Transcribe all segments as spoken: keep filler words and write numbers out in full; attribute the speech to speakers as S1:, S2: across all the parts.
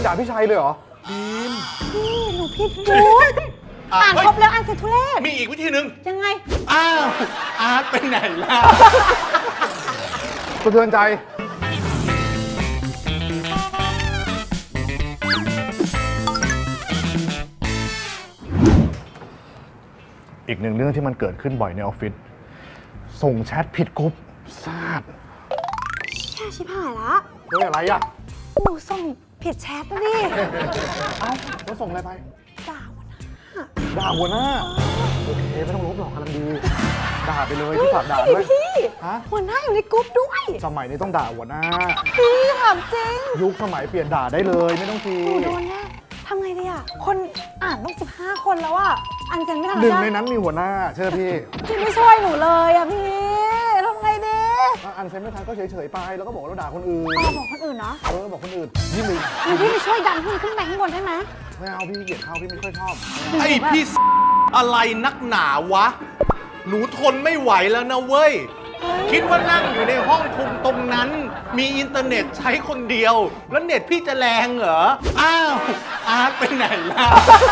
S1: ด่าพี่ชัยเลยเหรอ
S2: ดีม
S3: พี่หนูผิดจุดอ่านครบแล้วอ่านเสร็จทุเรศ
S2: มีอีกวิธีหนึ่ง
S3: ยังไง
S2: อ้าวอาร์ตไปไหนล่ะ
S1: สะเทือนใจอีกหนึ่งเรื่องที่มันเกิดขึ้นบ่อยในออฟฟิศส่งแชทผิดกรุ๊ปซาด
S3: แค่ชิบหายละ
S1: เฮ้ยอะไรอ่ะ
S3: หนูส่งผิดแชทนะดิ
S1: เอ้าแล้วส่งอะไรไป
S3: ด่าหัวหน้า
S1: ด่าหัวหน้าโอเคไม่ต้องลบหรอกกำลังดีด่าไปเลยพี่ฝากด่าด้วย
S3: พี่หัวหน้าอยู่ในกรุ๊ปด้วย
S1: สมัยนี้ต้องด่าหัวหน้า
S3: พี่ถามจริง
S1: ยุคสมัยเปลี่ยนด่าได้เลยไม่ต้องที
S3: หนูโดนแน่ทำไงดีอ่ะคนอ่านต้องสิบห้าคนแล้วอ่ะอันเซนไม่ทัน
S1: หนึ่งในนั้นมีหัวหน้าเชื่อพี่
S3: พี่ไม่ช่วยหนูเลยอ่ะพี่ทำไงดี
S1: อันเซนไม่ทันก็เฉยๆไปแล้วก็บอกเราด่าคนอื่น
S3: อ๋อบอกคนอื่นเนาะ
S1: เออบอกคนอื่นนี่มึง
S3: พี่ไปช่วยดันขึ้นขึ้นไปข้างบนได้ไหม
S1: ไม่เอาพี่เกลียดเขาพี่ไม่ค่อยชอบ
S2: ไอพี่อะไรนักหนาวะหนูทนไม่ไหวแล้วนะเว้ยคิดว่านั่งอยู่ในห้องคุมตรงนั้นมีอินเทอร์เน็ตใช้คนเดียวแล้วเน็ตพี่จะแรงเหรออ้าวอาร์ตไปไหนล่ะ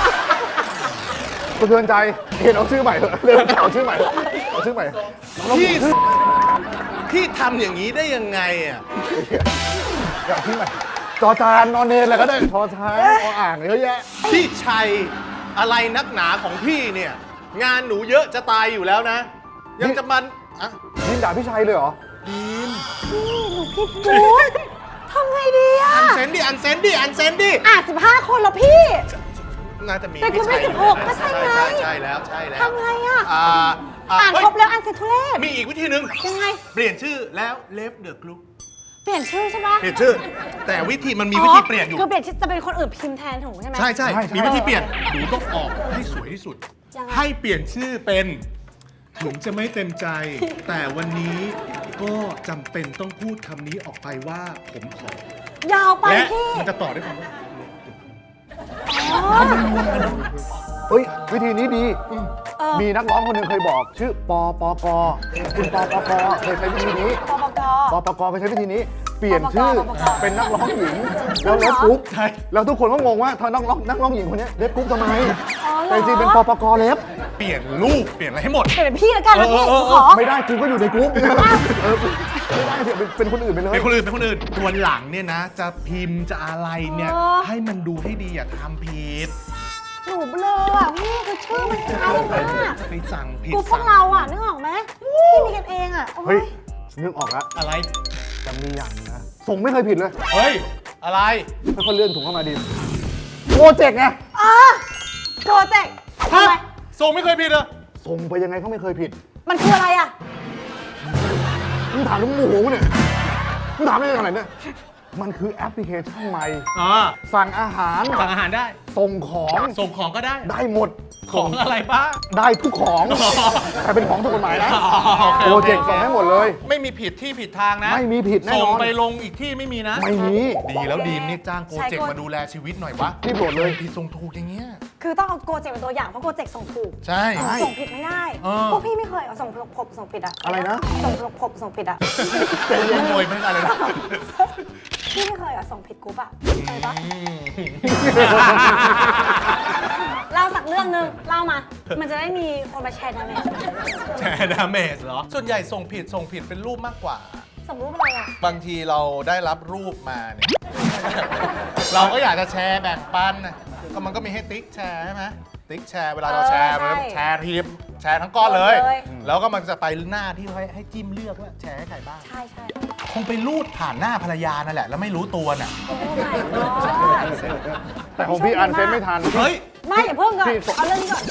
S1: สะเทือนใจเห็นเอาชื่อใหม่เถอะเริ่มเอาชื่อใหม่เอาชื่อใหม่
S2: พี่พี่ทำอย่างนี้ได้ยังไงอ่ะ
S1: เอาชื่อใหม่จอจานนอนเนนอะไรก็ได้ทอช้างออ่างเยอะแยะ
S2: พี่ชัยอะไรนักหนาของพี่เนี่ยงานหนูเยอะจะตายอยู่แล้วนะยังจะมันอะ
S1: ดินด่าพี่ชัยเลยเหรอ
S2: ดิน
S3: พี่หนูผิดจุดทำไงดีอะ
S2: อันเซนดิอันเซนดิอันเซนดิ
S3: อ่ะสิบห้าคนแล้วพี่
S2: น่าจะมี
S3: แต่คุณไม่สิบหกก็ใช่ไง
S2: ใช่ใช่แล้วใช่แล้ว
S3: ทำไงอะ
S2: อ่า
S3: อ่านครบแล้วอ่านเสร็จทุเรศ
S2: มีอีกวิธีหนึ่ง
S3: ยังไง
S2: เปลี่ยนชื่อแล้วเลฟเดอะกรุ๊ป
S3: เปลี่ยนชื่อใช่ไหม
S2: เปลี่ยนชื่อแต่วิธีมันมีวิธีเปลี่ยนอยู่
S3: คือเปลี่ยนชื่อจะเป็นคนอื่นพิมพ์แทนถูกใช่ไหม
S2: ใช่ใช่มีวิธีเปลี่ยนหนูต้องออกให้สวยที่สุดให้เปลี่ยนชื่อเป็นถึงจะไม่เต็มใจแต่วันนี้ก็จำเป็นต้องพูดคำนี้ออกไปว่าผมขอย
S3: าวไป
S2: และ
S3: พี่
S2: มันจะต่อด้วยคำว่า
S1: เฮ้ยวิธีนี้ดีมีนักร้องคนหนึ่งเคยบอกชื่อปปกคุณปปกเคยใช้วิธีนี้
S3: ปปก
S1: ปปกเคยใช้วิธีนี้เปลี่ยนชื่อเป็นนักร้องหญิงแล้วเล็บกรุ๊ปแล้วทุกคนก็งงว่าเธอนักร้องนักร้องหญิงคนนี้เล็บกรุ๊ปทำไมแต่จริงเป็นปปกเล็บ
S2: เปลี่ยนรูปเปลี่ยนอะไรให้หมด
S3: เปลี่ยนพี่ละกันนะพี่ขอ
S1: ไม่ได้กูก็อยู่ในกรุ๊ปไม่ได้เป็นคนอื่นไปเลย
S2: เป็นคนอื่นเป็นคนอื่นวันหลังเนี่ยนะจะพิมพ์จะอะไรเนี่ยให้มันดูให้ดีอย่าทำผิด
S3: หนูเบลออ่ะพี่คือชื่อมันคล้ายมาก
S2: ไปสั่งผิด
S3: กูพวกเราอ่ะนึกออกไหมพี่มีกันเองอ่ะ
S1: เฮ้ยนึกออกแล้ว
S2: อะไร
S1: จะมีอย่างนะส่งไม่เคยผิดเลย
S2: เฮ้ยอะไร
S1: ค่อยๆเลื่อนถุงเข้ามาดีโปรเจกต์ไง
S3: อ่ะโปรเจกต์
S2: ทำไมส่งไม่เคยผิดเหรอ
S1: ส่งไปยังไงเขาไม่เคยผิด
S3: มันคืออะไรอ่ะ
S1: มึงถามลูกหมูเนี่ยมึงถามได้ยังไงเนี่ยมันคือแอปพลิเคชันใหม่สั่งอาหาร
S2: สั่งอาหารได้
S1: ส่งของ
S2: ส่งของก็ได้
S1: ได้หมด
S2: ของอะไรบ้าง
S1: ได้ทุกของแต่เป็นของถูกกฎหมายนะโปรเจกต์ส่งให้หมดเลย
S2: ไม่มีผิดที่ผิดทางนะ
S1: ไม่มีผิดแน่นอน
S2: ส่งไปลงอีกที่ไม่มีนะ
S1: ไม่มี
S2: ดีแล้วดีมนี่จ้างโปรเจกต์มาดูแลชีวิตหน่อยวะ
S1: ที่โปรดเลย
S2: ผิดส่งถูกอย่างเงี้ย
S3: คือต้องเอาโปรเจกต์เป็นตัวอย่างเพราะโปรเจกต์ส่งถูก
S2: ใช่
S3: ส่งผิดไม่ได้พวกพี่ไม่เคยเอาส่งผบส่งผิดอะ
S1: อะไรนะ
S3: ส่งผบส่งผิดอะ
S2: เป็นยังไงไม่อะไรนะ
S3: พี่ไม่เคยอะส่งผิดกรุ๊ปอะเคยปะเล่าสักเรื่องนึงเล่ามามันจะได้มีคนมาแชร์ดาเมจ
S2: แชร์ดาเมจเหรอส่วนใหญ่ส่งผิดส่งผิดเป็นรูปมากกว่า
S3: ส่งรูปอะไรอะ
S2: บางทีเราได้รับรูปมาเนี่ยเราก็อยากจะแชร์แบ่งปันนะก็มันก็มีให้ติ๊กแชร์ใช่ไหมติ๊กแชร์เวลาเราแชร์มันแชร์ทีมแชร์ทั้งก้อนเลยแล้วก็มันจะไปหน้าที่ให้ให้จิ้มเลือกว่าแชร์ให้ใครบ้าง
S3: ใช่ใช่
S2: คงไปรูดผ่านหน้าภรรยานั่นแหละแล้วไม่รู้ตัวน่ะ
S1: แต่ของพี่อันเซนไม่ทัน
S2: เฮ้ย
S3: ไม่อย่าเพิ่งก่อนเอาเรื่องนี้ก่อน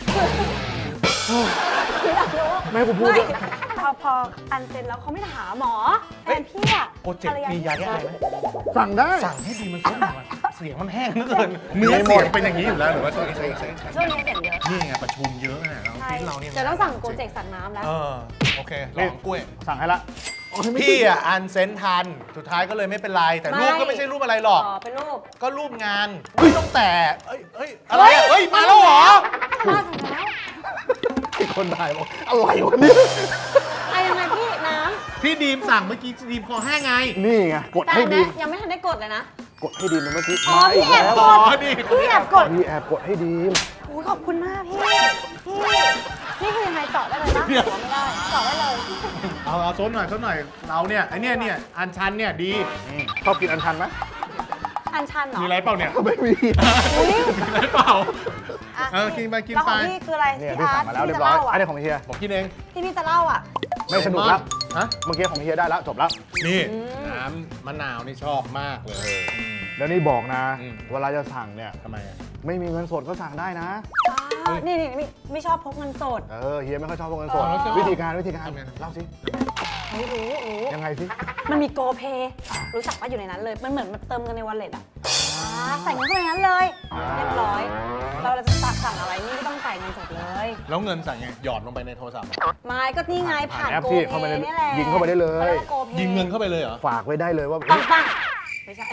S1: ไม่ผมพูด
S3: พอพออันเซนแล้วเขาไม่ถามหมอแฟนพี่อะ
S2: โปรเจกต์มียาแก้ไอไหม
S1: สั่งได้
S2: สั่งให้ดีมันซุ่มหน่อยเสียงมันแห้งเหลือเกินเนื้อเสียงเป็นอย่างนี้อยู่แล้วหรือว่าช่วงนี้ใช่ใช่
S3: ช่วงนี้เสียงเยอะ
S2: นี่ไงประชุมเยอะนะเราฟิตเราเนี่ย
S3: จะต้องสั่งโปรเจกต์สั่งน้ำแล้ว
S2: เออโอเคลองกล้วย
S1: สั่งให้ละ
S2: พี่อ่ะอันเซนทันสุดท้ายก็เลยไม่เป็นไรแต่รูปก็ไม่ใช่รูปอะไรหรอก
S3: อ๋อเป็นรูป
S2: ก็รูปงานไม่ต้องแต่เอ้ยเอ้ยอะไรอ่ะเอ้ยมาแล้วเหรอ
S3: มาถึงแล้ว
S1: ที่คนถ่ายบอกอะไรวะเนี่ย
S3: ไอ้ยังไงพี่น้ำ
S2: พี่ดีมสั่งเมื่อกี้ดีมคอแห้งไง
S1: นี่ไงกดให้ดีม
S3: ยังไม่ทันได้กดเลยนะ
S1: กดให้ดีมเมื่อกี้
S3: อ๋อ
S1: มาอี
S3: พี่
S1: ก
S3: แอบ
S1: แล้ว
S3: ก
S2: อ๋อ
S3: ด
S2: นี่
S3: พี่แอบกด
S1: พี่แอบกดให้ดีม
S3: โอ้ยขอบคุณมากพี่ พี่ นี่คือยังไงเจาะได้เลยนะเจาะไม่ได้เจาะได้เลย
S2: เอาเอาซดหน่อยซดหน่อยเราเนี่ยไอเนี่ยเนี่ยอันชันเนี่ยดี
S1: ชอบกินอันชันไหม
S3: อันชันเหรอ
S2: มีอะไรเปล่าเนี่ย
S1: ไม่มี
S3: อุ๊ย
S2: มีอะไรเปล่า
S3: ะ
S2: เออกินไปกิน
S3: แล้วของ
S2: ไป
S3: พี่คืออะไร
S1: เนี่ย
S3: พี่
S1: พี่
S3: อา
S1: สั่
S3: ร์
S1: ง
S3: ต
S1: มาแล้ว
S3: ที่
S1: เรีย
S3: พี่
S1: บ
S3: จะ
S1: ร้อย
S3: เล่า
S1: อั
S3: อ่ะ
S1: นนี้ของเฮีย
S2: ผมกินเอง
S3: ที่พี่จะเล่าอ่ะ
S1: ไม่สนุกแล้ว
S2: ฮะ
S1: เมื่อกี้ของเฮียได้แล้วจบแล้ว
S2: นี่
S3: อืม
S2: น้ำมะนาวนี่ชอบมากเลย
S1: แล้วนี่บอกนะ
S2: อืม
S1: เวลาจะสั่งเนี่ย
S2: ทำไมอ่ะ
S1: ไม่มีเงินสดก็สั่งได้นะ
S3: อ้าวนี่นี่ไม่ไม่ชอบพกเงินสด
S1: เออเฮียไม่ค่อยชอบพวกเงินสด
S3: อ๋อ
S1: วิธีการวิธีการ
S2: ทำไงนะ
S1: เล่าสิ
S3: ไม่รู้รู้
S1: ยังไงสิ
S3: มันมีโกเพย์รู้จักว่าอยู่ในนั้นเลย มันเหมือนมันเติมเงินในวอลเล็ตอ่ะอ่าใส่เงินเข้าไปในนั้นเลย เรียบร้อย เราจะสั่งอะไรนี่ไม่ต้องจ่ายเงินสดเลย
S2: แล้วเงินสั่งไงหยอดลงไปในโทรศัพท์อะ
S3: ไม่ก็นี่ไงผ่าน
S1: แอป
S3: โก
S1: ที่
S3: เพ
S1: เข้าไปใน
S3: ย์นี่แหละ
S1: ยิงเข้าไปได้เลย
S3: ขารีกว่า GoPay
S2: ยิงเงินเข้าไปเลยเหรอ
S1: ฝากไว้ได้เลยว่า
S3: ปังปังไม่ใช่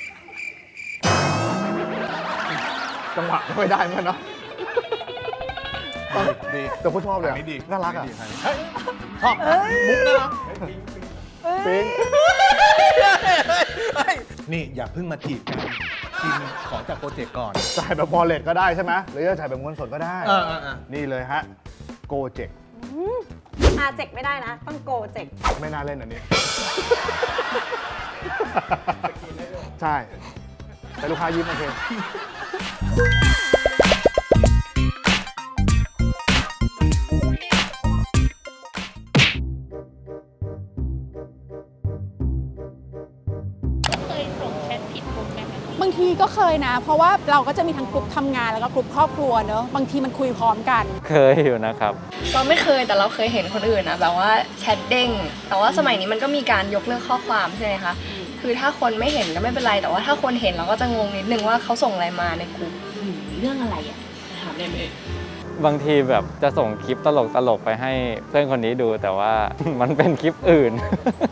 S1: จังหวะไม่ได้เหมือนกันเนาะ
S2: ดี
S1: แต่ก็ชอบเลย
S2: อัน
S1: อะ
S2: นี้ดี
S1: น่ารักอ่ะ
S2: นนี้ดีเฮ้ยชอบนะมุกน่ารัก
S1: ปิ๊ง
S2: นี่อย่าเพิ่งมาจีบกันกินขอจากโปรเจกต์ก่อน
S1: จ่ายแบบวอลเล็ตก็ได้ใช่ไหมหรือจะจ่ายแบบเงินสดก็ได้
S2: เออเออเออ
S1: นี่เลยฮะโกเจก
S3: อาเจกไม่ได้นะ ต้องโกเจก
S1: ไม่น่าเล่นอันนี้ ใช่แต่ลูกค้ายิ้มโอเค
S4: เคยส่งแชทผิดกลุ่มไหมคะ
S5: บางทีก็เคยนะ เพราะว่าเราก็จะมีทั้งกลุ่มทำงานแล้วก็กลุ่มครอบครัวเนอะบางทีมันคุยพร้อมกัน
S6: เคยอยู่นะครับ
S7: เราไม่เคยแต่เราเคยเห็นคนอื่นนะแบบว่าแชทเด้งแต่ว่าสมัยนี้มันก็มีการยกเลิกข้อความใช่ไหมคะคือถ้าคนไม่เห็นก็ไม่เป็นไร แต่ว่าถ้าคนเห็นเราก็จะงงนิดนึงว่าเขาส่งอะไรมาในกลุ่ม
S4: อืมเรื่องอะไรอ่ะถามได้ไหม
S6: บางทีแบบจะส่งคลิปตลกตลกๆไปให้เพื่อนคนนี้ดูแต่ว่า มันเป็นคลิปอื่น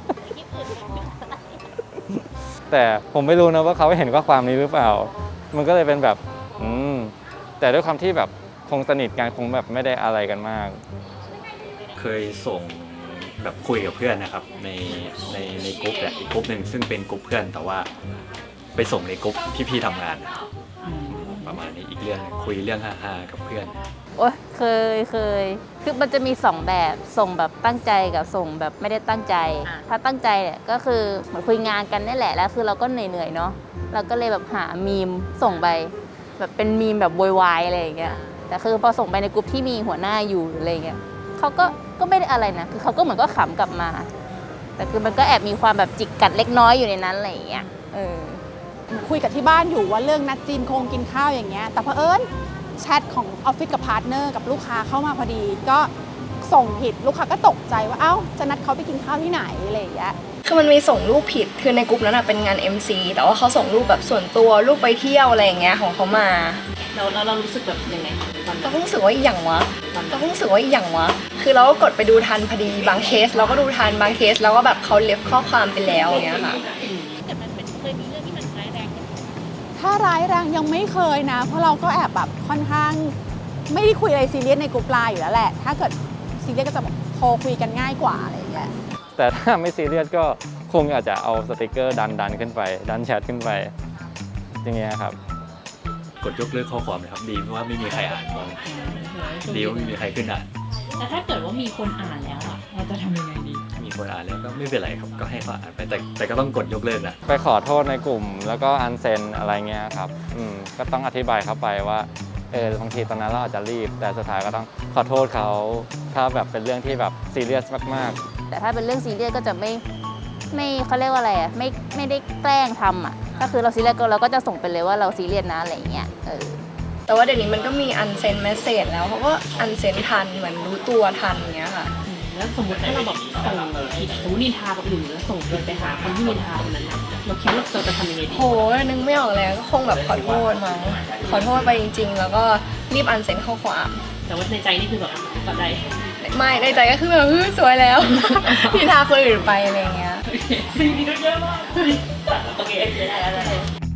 S6: แต่ผมไม่รู้นะว่าเขาเห็นข้อความนี้หรือเปล่า มันก็เลยเป็นแบบ อืม แต่ด้วยความที่แบบคงสนิทกันคงแบบไม่ได้อะไรกันมาก
S8: เคยส่งแบบคุยกับเพื่อนนะครับในในในกลุ่มเนี่ยอีกกลุ่มหนึ่งซึ่งเป็นกลุ่มเพื่อนแต่ว่าไปส่งในกลุ่มพี่ๆทำงานนะครับประมาณนี้อีกเรื่องหนึ่งคุยเรื่องฮาๆกับเพื่อน
S9: โอ๊ยเคยเคยคือมันจะมีสองแบบส่งแบบตั้งใจกับส่งแบบไม่ได้ตั้งใจ ถ้าตั้งใจเนี่ยก็คือเหมือนคุยงานกันนี่แหละแล้วคือเราก็เหนื่อยๆเนาะเราก็เลยแบบหามีมส่งไปแบบเป็นมีมแบบโวยวายอะไรอย่างเงี้ยแต่คือพอส่งไปในกลุ่มที่มีหัวหน้าอยู่หรืออะไรเงี้ยเขาก็ก็ไม่ได้อะไรนะคือเขาก็เหมือนก็ขำกลับมา แต่คือมันก็แอบมีความแบบจิกกัดเล็กน้อยอยู่ในนั้นอะไรอย่างเงี้ยเออ
S5: คุยกับที่บ้านอยู่ว่าเรื่องนัดจีนโคงกินข้าวอย่างเงี้ยแต่เผอิญแชทของออฟฟิศกับพาร์ทเนอร์กับลูกค้าเข้ามาพอดี ก็ส่งผิดลูกค้าก็ตกใจว่าเอ้าจะนัดเขาไปกินข้าวที่ไหนอะไรอย่างเงี้ย
S7: คือมันมีส่งรูปผิดคือในกลุ่มนั้นนะเป็นงาน เอ็ม ซี แต่ว่าเขาส่งรูปแบบส่วนตัวรูปไปเที่ยวอะไรอย่างเงี้ยของเขามา
S4: เราเราเรารู้สึกแบบยังไงตอน
S7: เรา
S4: นั้น
S7: ก็รู้สึกว่าอีหยังวะเราก็รู้สึกว่าอีหยังวะคือเราก็กดไปดูทันพอดีบางเคส เราก็ดูทันบางเคสเราก็แบบเขาเล็บข้อความไปแล้วอย่างเงี้ยค่ะ
S4: แต่มันเป็นเคยมีเรื่องที่มันร้ายแรงกัน
S5: ถ้าร้ายแรงยังไม่เคยนะ เพราะเราก็แอบแบบค่อนข้างไม่ได้คุยอะไรซีเรียสในกลุ่มไลน์อยู่แล้วแหละ ถ้าเกิดซีเรียสก็จะแบบโทรคุยกันง่ายกว่าอะไรอย่างเงี้ย
S6: แต่ถ้าไม่ซีเรียสก็คงอาจจะเอาสติกเกอร์ดันดันขึ้นไป ดันแชทขึ้นไป อย่างเงี้ยครับ
S8: กดยกเลิกข้อความเลยครับดีเพราะว่าไม่มีใครอ่านตอนดีว่าไม่มีใครขึ้นอ่าน
S4: แต่ถ้าเกิดว่ามีคนอ่านแล้วอ่ะเราจะทำยังไงดี
S8: มีคนอ่านแล้วก็ไม่เป็นไรครับก็ให้เขาอ่านไปแต่แต่ก็ต้องกดยกเลิกนะ
S6: ไปขอโทษในกลุ่มแล้วก็อันเซนอะไรเงี้ยครับอืมก็ต้องอธิบายเขาไปว่าเออบางทีตอนนั้นเราอาจจะรีบ แต่สุดท้ายก็ต้องขอโทษเขาถ้าแบบเป็นเรื่องที่แบบซีเรียสมากๆ
S9: แต่ถ้าเป็นเรื่องซีเรียสก็จะไม่ไม่เขาเรียกว่าอะไรอ่ะไม่ไม่ได้แกล้งทำอ่ะก็คือเราซีเรียสก็เราก็จะส่งไปเลยว่าเราซีเรียสนะอะไรอย่างเงี้ยเออ
S7: แต่ว่าเดี๋ยวนี้มันก็มีอันเซนเมสเซจแล้วเขาก็อันเซนทันเหมือนรู้ตัวทันอย่างเงี้ยค่ะ
S4: อืมแล้วสมมติถ้าเราแบบส่งผิดสมมตินินทากับอื่นแล้วส่งผิดไปหาคนที่นินทาคนนั้นน่ะเราคิดว่าเราจะทำยังไงดี
S7: โหนึกไม่ออกแล้วก็คงแบบขอโทษมั้งขอโทษไปจริง ๆ แล้วก็รีบอันเซนข้อความ
S4: แต่ว่าในใจนี่คือแบบก็ได้
S7: ไม่ในใจก็คือแบบเฮ้ยสวยแล้ว นินทาคนอื่นไปอะไรอย่างเงี้ย
S4: สิ่งนี้ก็เยอะมากโอเคโอเคได้แล้วได้แล้ว